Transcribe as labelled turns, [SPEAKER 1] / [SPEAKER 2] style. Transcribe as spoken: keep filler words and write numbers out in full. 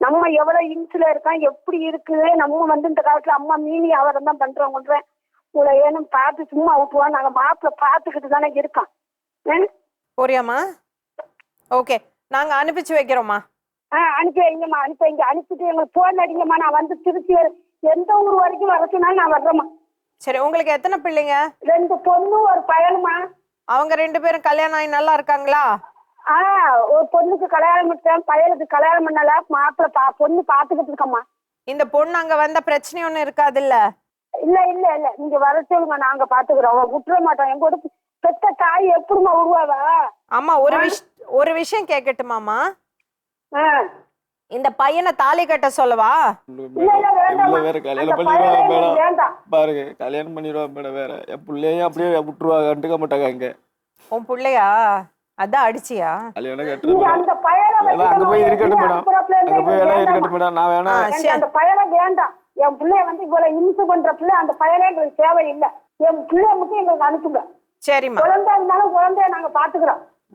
[SPEAKER 1] நம்ம எவ்வளவு இன்சுல இருக்கோம் எப்படி இருக்குது. நம்ம வந்து இந்த காலத்துல அம்மா மீனி அவரம் தான் பண்றோம். உங்களை ஏனும் பார்த்து சும்மா விட்டுருவோம். நாங்க மாப்பிள்ள பார்த்துக்கிட்டு தானே இருக்கோம்.
[SPEAKER 2] போறியாம்மா? ஓகே, நாங்க அனுப்பிச்சு வைக்கிறோம்மா.
[SPEAKER 1] ஆ அனுப்பி வைங்கம்மா, அனுப்பி வைங்க. அனுப்பிட்டு எங்களுக்கு போன் அடிங்கம்மா. நான் வந்து திருச்சி எந்த ஊர் வரைக்கும் வரச்சுனாலும் நான் வர்றேம்மா.
[SPEAKER 2] சரி, உங்களுக்கு எத்தனை பிள்ளைங்க?
[SPEAKER 1] ரெண்டு பொண்ணு ஒரு பையனுமா.
[SPEAKER 2] அவங்க ரெண்டு பேரும் கல்யாணம் ஆகி நல்லா இருக்காங்களா?
[SPEAKER 1] ஆ ஒரு பொண்ணுக்கு கல்யாணம் பண்ணிட்டேன், பையனுக்கு கல்யாணம் பண்ணல. மாப்பிள்ள பா பொண்ணு பாத்துக்கிட்டு இருக்கம்மா.
[SPEAKER 2] இந்த பொண்ணு அங்க வந்த பிரச்சனை ஒண்ணு இருக்காது இல்ல?
[SPEAKER 1] இல்ல இல்ல இல்ல, நீங்க வர சொல்லுங்க, நாங்க பாத்துக்கிறோம். விட்டுற மாட்டோம். எங்க கூட பெத்த தாய் எப்படிமா உருவாவா?
[SPEAKER 2] ஆமா, ஒரு விஷ் ஒரு விஷயம் கேட்கட்டுமாமா?
[SPEAKER 1] ஆ
[SPEAKER 2] இந்த பையனை தாலி கட்ட சொல்லவா?
[SPEAKER 1] இல்ல இல்ல வேண்டாம்.
[SPEAKER 3] வேற கல்யாணம் பண்ணிடுவா மேடம். பாருங்க, கல்யாணம் பண்ணிடுவா மேடம். வேற என் பிள்ளையும் அப்படியே விட்டுருவா, கண்டுக்க மாட்டாங்க. அங்க
[SPEAKER 2] உன் பிள்ளையா? அதான் அடிச்சியா?
[SPEAKER 3] கல்யாணம்
[SPEAKER 1] நீங்க
[SPEAKER 3] கட்டுறேன்.
[SPEAKER 1] அந்த பையனை
[SPEAKER 3] அங்க போய் இருக்கட்டும் மேடம், அங்க போய் எல்லாம் இருக்கட்டும்
[SPEAKER 1] வேண்டாம்.
[SPEAKER 3] மேடம். நான் வேணா
[SPEAKER 1] எனக்கு அந்த பையனை வேண்டாம். என் பிள்ளைய வந்து இவ்வளவு இம்சை பண்ற பிள்ளை அந்த பையனே எங்களுக்கு தேவையில்லை. என் பிள்ளைய மட்டும் எங்களுக்கு அனுப்புங்க.
[SPEAKER 2] சரிம்மா.
[SPEAKER 1] குழந்தை இருந்தாலும் குழந்தைய நாங்க பாத்துக்கிறோம்.